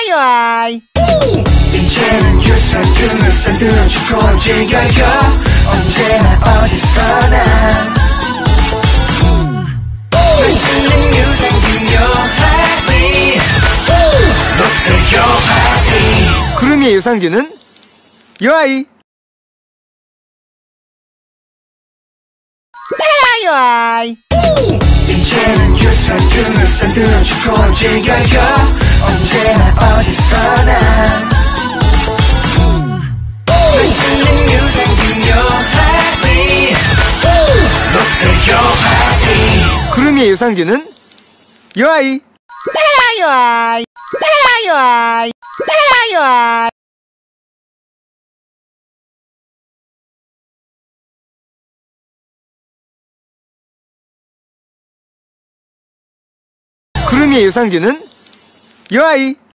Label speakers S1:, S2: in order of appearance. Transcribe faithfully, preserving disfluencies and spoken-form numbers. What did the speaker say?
S1: 요아이
S2: 이제는 유산균을 산들어주고 즐겨요 언제나 어디서나 맛있는 유산균 요하이 롯데 요하이
S1: 구름이의 유산균은 요아이 요아이
S2: 이제는 유산균을 산들어주고 즐겨요 언제나 어디서나 맛있는 유산균 요하이 롯데 요하이
S1: 구름이의 유산균은 요아이 요아이 요아이 요아이 구름이의 유산균은 요아이